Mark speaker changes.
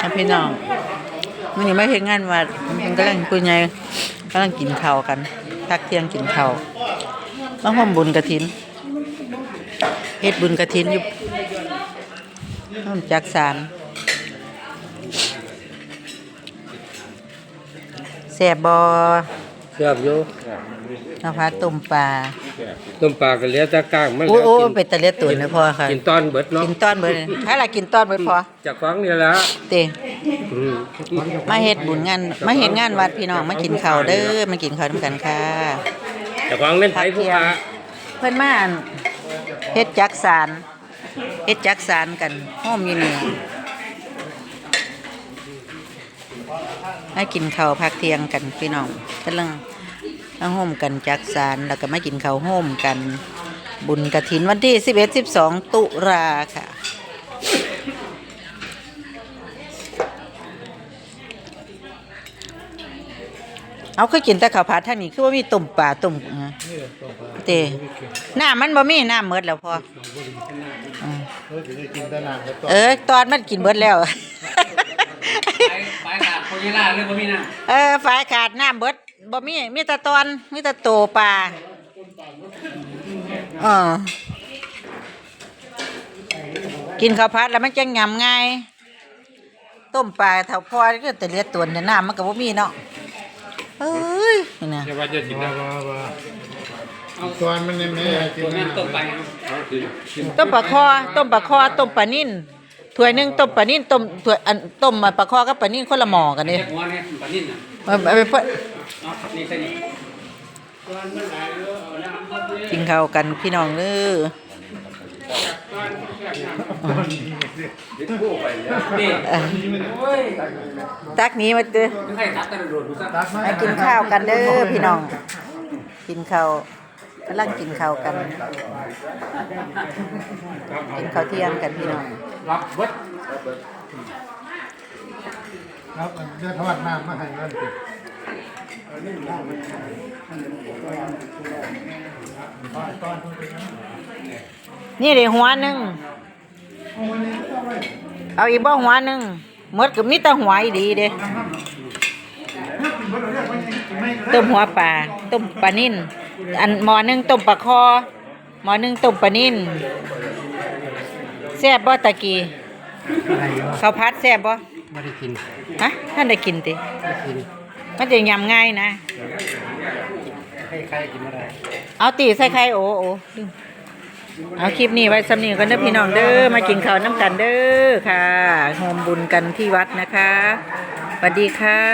Speaker 1: พี่น้องมื้อนี้มาเฮ็ดงานวัดมันกำลังคุยไงกำลังกินข้าวกันพักเที่ยงกินข้าวมาร่วมบุญกฐินเฮ็ดบุญกฐินอยู่ร่วมจักสานแซ่บบ่
Speaker 2: แซ่บอยู่
Speaker 1: น้ำผัดต้มปลา
Speaker 2: ก็เหลือแต่ก้างมัน
Speaker 1: โอ้เป็นตะเลียตุ๋นนะพ่อค่ะ
Speaker 2: กินตอนเบิดเนาะ
Speaker 1: กินตอนเบิดถ้าล่ะกินตอนเบิดพอ
Speaker 2: จากฟังนี่ละ
Speaker 1: เต้มาเฮ็ดบุญงานมาเฮ็ดงานวัดพี่น้องมากินข้าวเด้อมากินข้าวนำกันค่ะ
Speaker 2: จากฟังเล่นไผผู้พา
Speaker 1: เพิ่นมาเฮ็ดจักสานกันห้อมอยู่นี่ให้กินข้าวพักเที่ยงกันพี่น้องกำลังมาห่มกันจักสานแล้วก็มากินข้าวห่มกันบุญกฐินวันที่11-12 ตุลาค่ะเอาคือกินแต่ข้าวผัดทางนี้คือว่ามีต้มปลาต้มเตน้ำมันบ่มีน้ำหมดแล้วพอตอนมันกินหมดแล้ว
Speaker 3: ฝายขาดโคยิล่าเลยบ่มีน้
Speaker 1: ำฝายขาดน้ำเบิดบ่มีแต่ตอนมีแต่โตปลากินข้าวผัดแล้วมันจะงำง่ายต้มปลาเท่าพอก็แต่เลียตัวเนี่ยน้ำมันก็บ่มีเนาะเอ้ยนี่นะ
Speaker 2: ว่าจะกินได้
Speaker 3: ตัวมันเนี่ยตัวนั้นต้มไป
Speaker 1: ต้มปลาคอต้มปลานิ่นถ้วยนึงต้มปลานิ่นถ้วยต้มปลาคอกับปลานิ่นคนละหม้อกันนี่
Speaker 3: หัวนี่ปลานิ่นน่ะ
Speaker 1: ไปเพิ่น
Speaker 3: นี่ใส่นี่
Speaker 1: กินข้าวกันพี่น้องเด้อตักนี้มาเด้อให้กินข้าวกันเด้อพี่น้องกินข้าวกำลังกินข้าวกันกินข้าวเที่ยงกันพี่น้อง
Speaker 2: รับเบิด
Speaker 3: ครับเดี๋ยวทอดน้ำมาให้นั่นสิ
Speaker 1: นี่เดี๋ยวหัวหนึ่งเอาอีกบ่หัวหนึ่งหมดก็มีแต่หัวอีดีเด้ต้มหัวปลาต้มปลานิ่นหม้อนึงต้มปลาคอหม้อนึงต้มปลานิ่นแซ่บบ่ตะกี้ข้าวผัดแซ่บบ่
Speaker 2: ไม่ได้กิน
Speaker 1: ฮะท่านได้กินติ
Speaker 2: ได้กิน
Speaker 1: มันจะยำง่ายนะ
Speaker 2: ใครกินอะไร
Speaker 1: เอาตีใส่ไข่โอ้เอาคลิปนี้ไว้สำนีกันเด้อพี่น้องเด้อมากินข้าวน้ำกันเด้อค่ะโฮมบุญกันที่วัดนะคะสวัสดีค่ะ